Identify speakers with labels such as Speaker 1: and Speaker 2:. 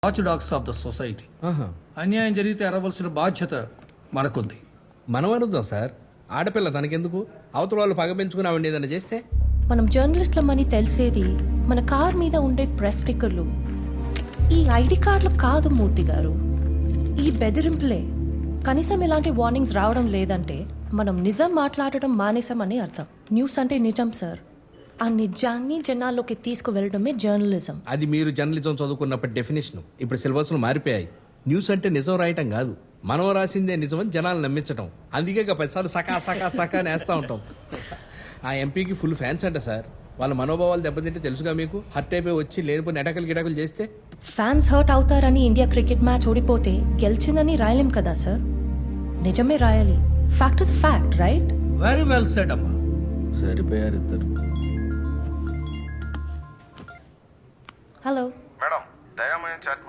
Speaker 1: Watch dogs of the society. అన్యాయం జరిగితే అరవలసిన బాధ్యత మనకుంది.
Speaker 2: మనం అరుద్దాం సార్, ఆడపిల్ల తనకెందుకు? అవతల వాళ్ళు పగ పెంచుకుని ఆవిడ ఏదైనా చేస్తే
Speaker 3: మనం జర్నలిస్ట్లమని తెలిసేది మన కార్ మీద ఉండే ప్రెస్ స్టిక్కర్లు, ఈ ఐడి కార్డులు కాదు మూర్తి గారు, ఈ బెదిరింపులే. కనీసం ఇలాంటి వార్నింగ్స్ రావడం లేదంటే మనం నిజం మాట్లాడడం మానేసామని అర్థం. న్యూస్ అంటే నిజం సార్, ఆ నిజాన్ని జనాల్లోకి తీసుకువెళ్ళడమే జర్నలిజం.
Speaker 2: అది మీరు జర్నలిజం చదువుకున్నప్పటి డెఫినేషన్. ఇప్పుడు సిలబస్లు మారిపోయాయి. న్యూస్ అంటే నిజం రాయటం కాదు, మనం రాసిందే నిజమని జనాలు నమ్మించడం. అందుకే 10 సార్లు సకా సకా సకా నేస్తా ఉంటాం. ఆ ఎంపీకి ఫుల్ ఫ్యాన్స్ అంట సార్. వాళ్ళ మనోభావాలు దెబ్బతింటే తెలుసుగా మీకు. హర్ట్ అయిపోయి వచ్చి లేనిపోయిన ఎటకలు గిటకలు చేస్తే
Speaker 3: ఫ్యాన్స్ హర్ట్ అవుతారని ఇండియా క్రికెట్ మ్యాచ్ ఓడిపోతే గెలిచిందని రాయలేం కదా సార్, నిజమే రాయాలి. Fact is fact, right?
Speaker 1: Very well said అమ్మా.
Speaker 2: సరిపోయారు ఇద్దరు.
Speaker 3: హలో.